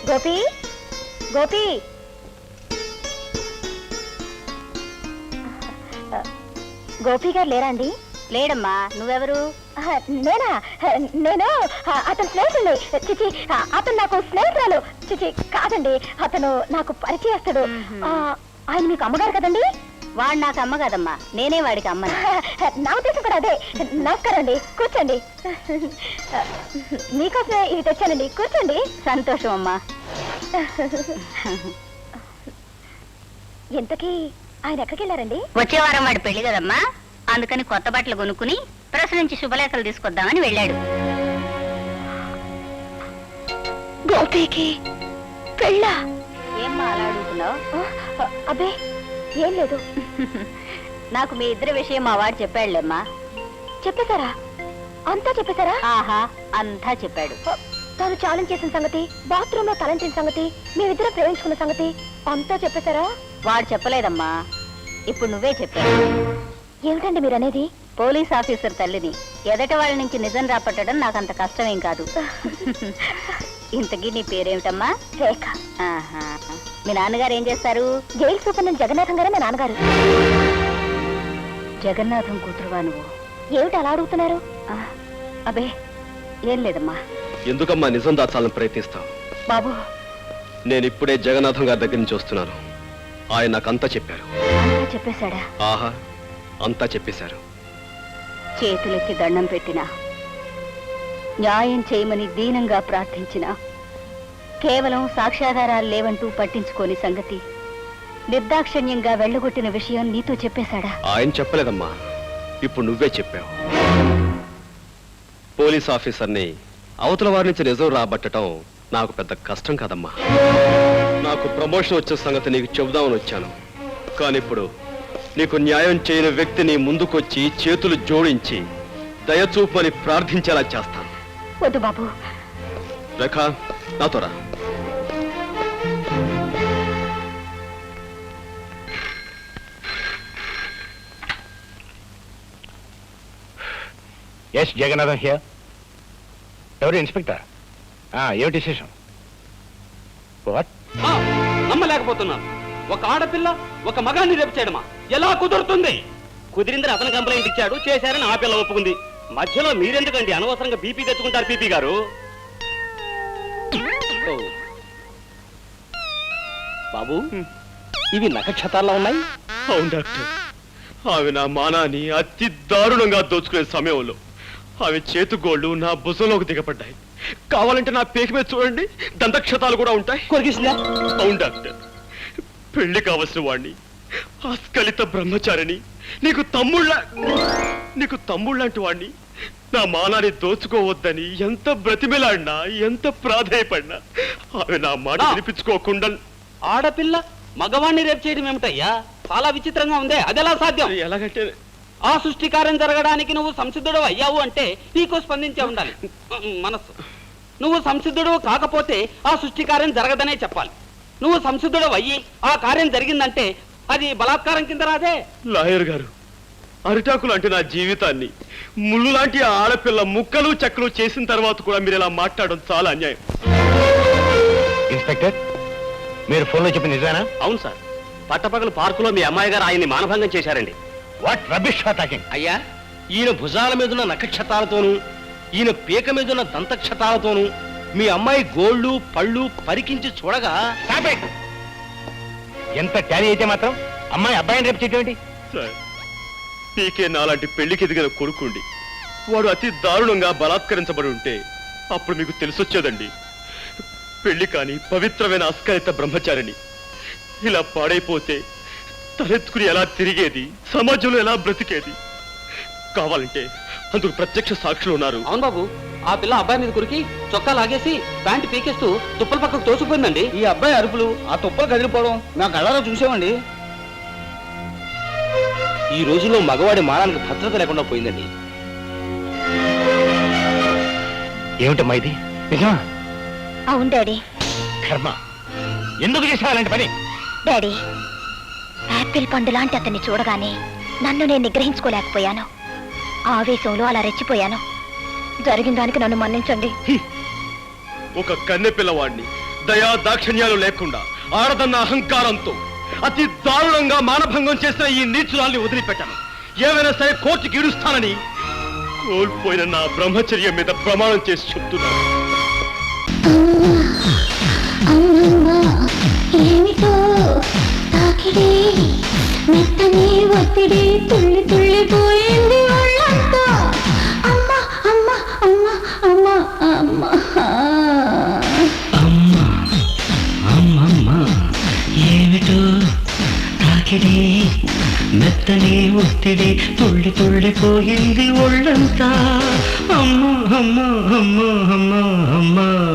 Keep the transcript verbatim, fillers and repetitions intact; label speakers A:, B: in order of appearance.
A: గోపి గోపి గోపి గారు లేరా అండి? లేడమ్మా. నువ్వెవరు? నేనా? నేను అతను స్నేహితుడు. చిచి, అతను నాకు స్నేహితురాలు. చిచి కాదండి, అతను నాకు పరిచయస్తుడు. ఆయన మీకు అమ్మగారు కదండి? వాడు నాకు అమ్మ కదమ్మా, నేనే వాడికి అమ్మ. నా ఉద్దేశం కూడా అదే. నమస్కారం అండి, కూర్చోండి. మీకోసమే ఇవి తెచ్చానండి, కూర్చోండి. సంతోషం అమ్మా. ఇంతకీ ఆయన ఎక్కడికి వెళ్ళారండి? వచ్చే వారం వాడి పెళ్లి కదమ్మా, అందుకని కొత్త బట్టలు కొనుక్కుని ప్రెస్ నుంచి శుభలేఖలు తీసుకొద్దామని వెళ్ళాడు. గోపికి పెళ్ళా? ఏమ్మా అలా అడుగుతున్నావు? అబ్బే ఏం లేదు. నాకు మీ ఇద్దరి విషయం మా వాడు చెప్పాడులేమ్మా. చెప్పేశారా? అంతా చెప్పేశారా? ఆహా, అంతా చెప్పాడు. తాను ఛాలెంజ్ చేసిన సంగతి, బాత్రూమ్ లో తలంచిన సంగతి, మేమిద్దరం ప్రేమించుకున్న సంగతి అంతా చెప్పేశారా? వాడు చెప్పలేదమ్మా, ఇప్పుడు నువ్వే చెప్పావు. ఏమిటండి మీరు అనేది? పోలీస్ ఆఫీసర్ తల్లిని ఎదట వాళ్ళ నుంచి నిజం రాపట్టడం నాకు అంత కష్టమేం కాదు. ఇంతకీ నీ పేరేమిటమ్మా? రేఖ. మీ నాన్నగారు ఏం చేస్తారు? జైలు సూపరింటెండెంట్ జగన్నాథం గారే మా నాన్నగారు. జగన్నాథం కూతురువా నువ్వు? ఏమిటి అలా అడుగుతున్నారు? అబే ఏం లేదమ్మా.
B: ఎందుకమ్మా నిజం దాచాలని ప్రయత్నిస్తావు?
A: బాబు,
B: నేను ఇప్పుడే జగన్నాథం గారి దగ్గర నుంచి వస్తున్నాను. ఆయన నాకంతా చెప్పారు.
A: అంతా చెప్పేశాడా?
B: ఆహా, అంతా చెప్పేశారు.
A: చేతులెత్తి దండం పెట్టినా, న్యాయం చేయమని దీనంగా ప్రార్థించిన, కేవలం సాక్ష్యాధారాలు లేవంటూ పట్టించుకోని సంగతి నిర్దాక్షిణ్యంగా వెళ్ళగొట్టిన విషయం నీతో చెప్పేశాడా?
B: ఆయన చెప్పలేదమ్మా, ఇప్పుడు నువ్వే చెప్పావు. పోలీస్ ఆఫీసర్ని అవతల వారి నుంచి నిజం రాబట్టడం నాకు పెద్ద కష్టం కాదమ్మా. నాకు ప్రమోషన్ వచ్చే సంగతి నీకు చెబుదామని వచ్చాను. కానీ ఇప్పుడు నీకు న్యాయం చేయని వ్యక్తిని ముందుకొచ్చి చేతులు జోడించి దయచూపని ప్రార్థించేలా చేస్తాను.
A: వద్దు బాబు.
B: రేఖ, నాతో రా.
C: Yes Jagannatham here. ఎవరు? ఇన్స్పెక్టర్. ఏమిటి విశేషం? వాట్?
D: నమ్మలేకపోతున్నాను. ఒక ఆడపిల్ల ఒక మగాన్ని రేపు చేయడమా? ఎలా కుదురుతుంది? కుదిరిందని అతను కంప్లైంట్ ఇచ్చాడు, చేశారని ఆ పిల్ల ఒప్పుకుంది. మధ్యలో మీరెందుకండి అనవసరంగా బీపీ తెచ్చుకుంటారు? పీపీ గారు బాబు, ఇవి నక్షత్రాల్లో ఉన్నాయి.
B: అవును డాక్టర్, ఆమె నా మానాన్ని అతి దారుణంగా దోచుకునే సమయంలో ఆమె చేతుగోళ్లు నా భుజంలోకి దిగపడ్డాయి. కావాలంటే నా పేక మీద చూడండి, దంతక్షతాలు కూడా ఉంటాయి.
D: కొరికిసిందా?
B: అవును డాక్టర్, పెళ్లి కావలసిన వాణ్ణి, ఆస్కలిత బ్రహ్మచారిని, నీకు తమ్ముళ్ళ నీకు తమ్ముళ్ళంటి వాణ్ణి నా మానాన్ని దోచుకోవద్దని ఎంత బ్రతిమిలాడినా, ఎంత ప్రాధేయపడినా ఆమె నా మాట వినిపించుకోకుండా.
D: ఆడపిల్ల మగవాణ్ణి రేపు చేయడం ఏమిటయ్యా? చాలా విచిత్రంగా ఉందే. అదెలా సాధ్యం?
B: ఎలాగంటే
D: ఆ సృష్టికార్యం జరగడానికి నువ్వు సంసిద్ధుడు అయ్యావు అంటే నీకు స్పందించే ఉండాలి మనస్సు. నువ్వు సంసిద్ధుడు కాకపోతే ఆ సృష్టికార్యం జరగదనే చెప్పాలి. నువ్వు సంసిద్ధుడు అయ్యి ఆ కార్యం జరిగిందంటే అది బలాత్కారం కింద రాదే.
B: లాయర్ గారు, అరిటాకులు అంటే నా జీవితాన్ని ముళ్ళు లాంటి ఆడపిల్ల ముక్కలు చెక్కలు చేసిన తర్వాత కూడా మీరు ఇలా మాట్లాడడం చాలా అన్యాయం.
C: ఇన్స్పెక్టర్, మీరు ఫోన్లో చెప్పిన నిజానా?
D: అవును సార్, పట్టపగలు పార్కులో మీ అమ్మాయి గారు ఆయన్ని మానభంగం చేశారండి.
C: What rubbish talking?
D: అయ్యా, ఈయన భుజాల మీదున్న నక్షత్రాలతోనూ ఈయన పీక మీదున్న దంతక్షతాలతోనూ మీ అమ్మాయి గోళ్ళు పళ్ళు పరికించి చూడగా
C: ఎంత ట్యాలీ అయితే మాత్రం అమ్మాయి అబ్బాయిని రేపు చేయటం
B: సార్, పీకే నాలాంటి పెళ్లికి ఎదిగిన కొడుకుండి వాడు అతి దారుణంగా బలాత్కరించబడి ఉంటే అప్పుడు మీకు తెలిసొచ్చేదండి. పెళ్లి కాని పవిత్రమైన అస్కలిత బ్రహ్మచారిని ఇలా పాడైపోతే తలెత్తుకుని ఎలా తిరిగేది, సమాజంలో ఎలా బ్రతికేది? కావాలంటే అందుకు ప్రత్యక్ష సాక్షులు ఉన్నారు.
D: అవును బాబు, ఆ పిల్ల అబ్బాయి మీద కురికి చొక్కా లాగేసి ప్యాంటు పీకేస్తూ తుప్పల పక్కకు తోసిపోయిందండి.
E: ఈ అబ్బాయి అరుపులు, ఆ తుప్పలు కదిలిపోవడం నా కళ్ళలో చూసామండి.
D: ఈ రోజుల్లో మగవాడి మానానికి భద్రత లేకుండా పోయిందండి.
C: ఏమిటమ్మా ఇది? నిజమా?
A: అవును డాడీ.
C: కర్మ, ఎందుకు చేసావు అలాంటి పని?
A: డాడీ, యాపిల్ పండు లాంటి అతన్ని చూడగానే నన్ను నేను నిగ్రహించుకోలేకపోయాను. ఆవేశంలో అలా రెచ్చిపోయాను. జరిగిన దానికి నన్ను మన్నించండి.
B: ఒక కన్నె పిల్లవాడిని దయా దాక్షిణ్యాలు లేకుండా ఆడదన్న అహంకారంతో అతి దారుణంగా మానభంగం చేసిన ఈ నీచురాల్ని వదిలిపెట్టాను. ఏమైనా సరే కోర్టుకి ఈడుస్తానని కోల్పోయిన నా బ్రహ్మచర్యం మీద ప్రమాణం చేసి చెప్తున్నాను.
F: అమ్మమ్మ ఏమిటో తాకిడి మెత్తని ఒత్తిడి తుళ్ళి తుళ్ళిపోయింది ఒళ్ళంతా అమ్మ అమ్మ అమ్మ అమ్మ అమ్మ
G: అమ్మ అమ్మమ్మ ఏమిటో తాకిడి మెత్తని ఒత్తిడి తుళ్ళి తుళ్ళిపోయింది ఒళ్ళంతా అమ్మ అమ్మ అమ్మ అమ్మ అమ్మ